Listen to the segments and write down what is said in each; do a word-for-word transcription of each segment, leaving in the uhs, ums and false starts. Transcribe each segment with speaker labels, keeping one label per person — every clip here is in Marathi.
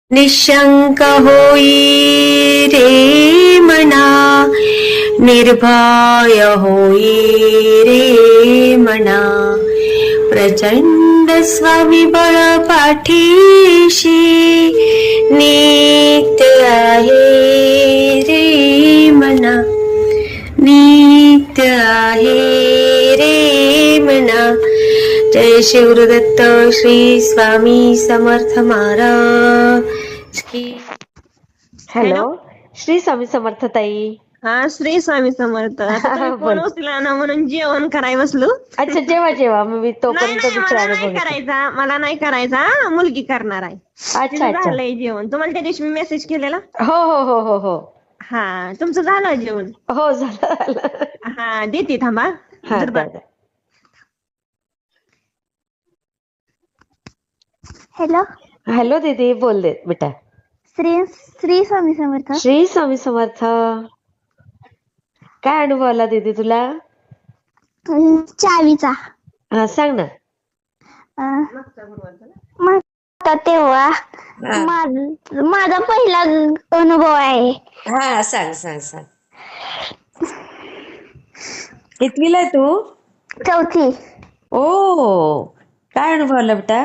Speaker 1: निशंक होई रे मना, निर्भय होई रे मना, प्रचंड स्वविबळ पाठीशी नित्य आहे रे मना, नित्य आहे रे मना. जय शिवदत्त श्री स्वामी समर्थ महाराज की.
Speaker 2: हॅलो, श्री स्वामी समर्थ ताई.
Speaker 3: हा, श्री स्वामी समर्थ. आता तुम्ही फोन उचला ना म्हणून जेवण कराय बसलो.
Speaker 2: अच्छा, जेव्हा जेव्हा मी
Speaker 3: नाही
Speaker 2: तोपर्यंत
Speaker 3: नाही, मला
Speaker 2: दुसरा
Speaker 3: नाही
Speaker 2: अनुभव घेते.
Speaker 3: करायचा, मला नाही करायचा, मुलगी करणार आहे.
Speaker 2: अच्छा
Speaker 3: तिचं
Speaker 2: अच्छा.
Speaker 3: झालंय जेवण. तुम्हाला त्या दिवशी मी मेसेज केलेला.
Speaker 2: हो हो हो हो हो
Speaker 3: हा, तुमचं झालं जेवण.
Speaker 2: हो झालं झालं.
Speaker 3: हा, देते थांबा.
Speaker 2: हा,
Speaker 3: जर बा-
Speaker 2: द्या, द्या.
Speaker 4: हॅलो,
Speaker 2: हॅलो दीदी, बोल दे बेटा.
Speaker 4: श्री श्री स्वामी समर्थ.
Speaker 2: श्री स्वामी समर्थ. काय अनुभव आला दीदी तुला?
Speaker 4: अं, चावीचा
Speaker 2: हा, सांग ना.
Speaker 4: अं, मागचा तेव्हा माझ- माझा पहिला अनुभव आहे.
Speaker 2: हा, सांग सांग सांग. कितवीला आहे तू?
Speaker 4: चौथी.
Speaker 2: ओ, काय अनुभव आला बेटा?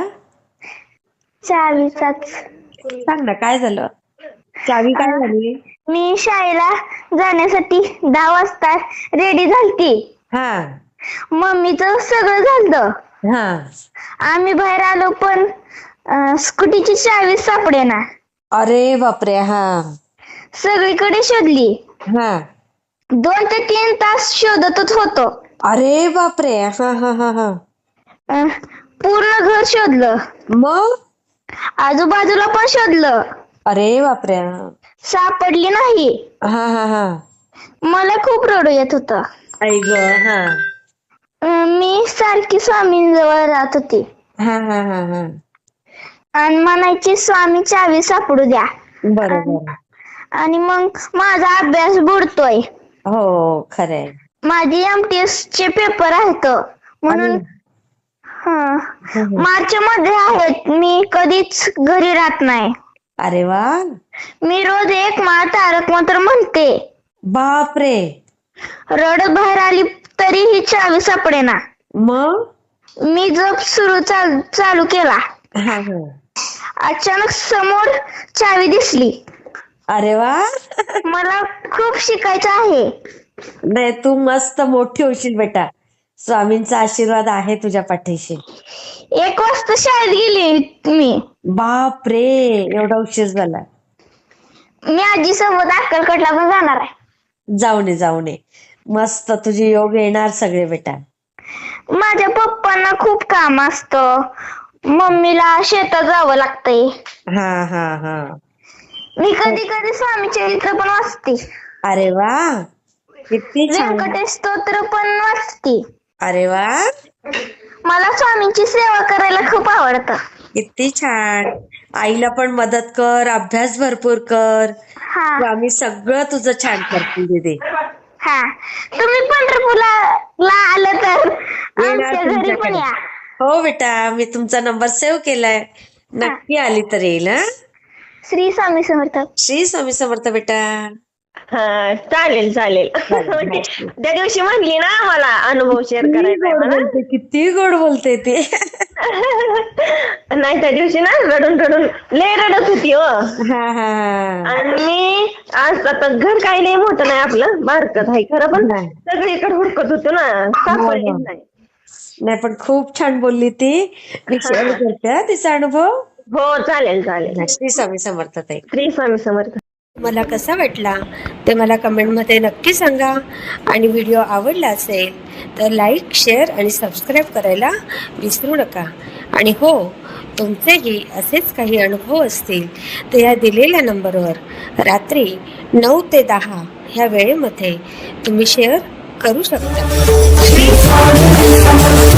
Speaker 4: चावीचाच.
Speaker 2: सांग ना, काय झालं? चावी काय झाली?
Speaker 4: मी शाळेला जाण्यासाठी दहा वाजता रेडी झालती.
Speaker 2: हा
Speaker 4: मम्मीचं सगळं झालं.
Speaker 2: हा.
Speaker 4: आम्ही बाहेर आलो पण अं, स्कूटीची चावी सापडेना.
Speaker 2: अरे बापरे. हा
Speaker 4: सगळीकडे शोधली.
Speaker 2: हा.
Speaker 4: दोन ते तीन तास शोधतच होतो.
Speaker 2: अरे बापरे. हा हा हा हा.
Speaker 4: अं, पूर्ण घर शोधलं,
Speaker 2: मग?
Speaker 4: आजूबाजूला पण शोधलं,
Speaker 2: अरे बापरे.
Speaker 4: सापडली नाही.
Speaker 2: हा हा हा.
Speaker 4: मला खूप रडू येत होतं.
Speaker 2: आई ग. हा
Speaker 4: अं, मी सारखी स्वामींजवळ राहत होती
Speaker 2: हा हा हा हा.
Speaker 4: आणि म्हणायची स्वामी चावी सापडू द्या.
Speaker 2: बरोबर.
Speaker 4: आणि मग माझा अभ्यास बुडतोय.
Speaker 2: हो, खरंय.
Speaker 4: माझी एमटीएस चे पेपर आहेत म्हणून हं, मार्च मध्ये आहेत. मी कधीच घरी राहत नाही.
Speaker 2: अरे वा.
Speaker 4: मी रोज एक माळ तारक मंत्र म्हणते.
Speaker 2: बापरे.
Speaker 4: रडत बाहेर आली तरी ही चावी सापडेना.
Speaker 2: मग?
Speaker 4: मी जप सुरू चाल, चालू केला.
Speaker 2: हा हा.
Speaker 4: अचानक समोर चावी दिसली.
Speaker 2: अरे वा.
Speaker 4: मला खूप शिकायचं आहे.
Speaker 2: नाही, तू मस्त मोठी होशील बेटा. स्वामींचा आशीर्वाद आहे तुझ्या पाठीशी.
Speaker 4: एक वाजता शाळेत गेली मी.
Speaker 2: बापरे, एवढा उशीर झाला.
Speaker 4: मी आजी सोबत अक्कलकोटला पण जाणार आहे.
Speaker 2: जाऊ नये जाऊ नये. मस्त, तुझे योग येणार सगळे बेटा.
Speaker 4: माझ्या पप्पांना खूप काम असतं. मम्मीला शेतात जावं लागतंय.
Speaker 2: हा हा हा.
Speaker 4: मी कधी कधी स्वामी चरित्र पण वाचते.
Speaker 2: अरे वा, किती छान.
Speaker 4: व्यंकटेश स्तोत्र पण वाचते.
Speaker 2: अरे वा,
Speaker 4: मला स्वामींची सेवा करायला खूप आवडतं.
Speaker 2: किती छान. आईला पण मदत कर, अभ्यास भरपूर कर.
Speaker 4: हा
Speaker 2: स्वामी सगळं तुझं छान करतील दीदी.
Speaker 4: हा, तुम्ही पंढरपूरला ला आलं तर
Speaker 2: येणार
Speaker 4: आमच्या घरी पण
Speaker 2: तुमच्याकडे.
Speaker 4: या.
Speaker 2: हो बेटा, मी तुमचा नंबर सेव्ह केलाय. नक्की आली तर येईल. हा,
Speaker 4: श्री स्वामी समर्थ.
Speaker 2: श्री स्वामी समर्थ बेटा.
Speaker 3: हा, चालेल चालेल. त्या दिवशी म्हणली ना मला अनुभव शेअर
Speaker 2: किती
Speaker 3: करायचा
Speaker 2: गोड
Speaker 3: मला.
Speaker 2: बोलते, किती गोड बोलते ती.
Speaker 3: नाही, त्या दिवशी ना रडून रडून लय रडत होती हो.
Speaker 2: हा हा हा.
Speaker 3: आणि मी आज आता घर काही लय मोठं नाही आपलं, बारकत आहे खरं, पण
Speaker 2: नाही.
Speaker 3: सगळीकडे हुडकत होतो ना, सापडलीच
Speaker 2: हो.
Speaker 3: नाही.
Speaker 2: नाही, पण खूप छान बोलली ती. मी शेअर करते हा तिचा अनुभव.
Speaker 3: हो, चालेल चालेल.
Speaker 2: श्री स्वामी समर्थ ताई.
Speaker 3: श्री स्वामी समर्थ.
Speaker 1: मला कसा वाटला ते मला कमेंटमध्ये नक्की सांगा. आणि व्हिडिओ आवडला असेल तर लाईक, शेअर आणि सबस्क्राईब करायला विसरू नका. आणि हो, तुमचेही असेच काही अनुभव असतील तर या दिलेल्या नंबरवर रात्री नऊ ते दहा ह्या वेळेमध्ये तुम्ही शेअर करू शकता.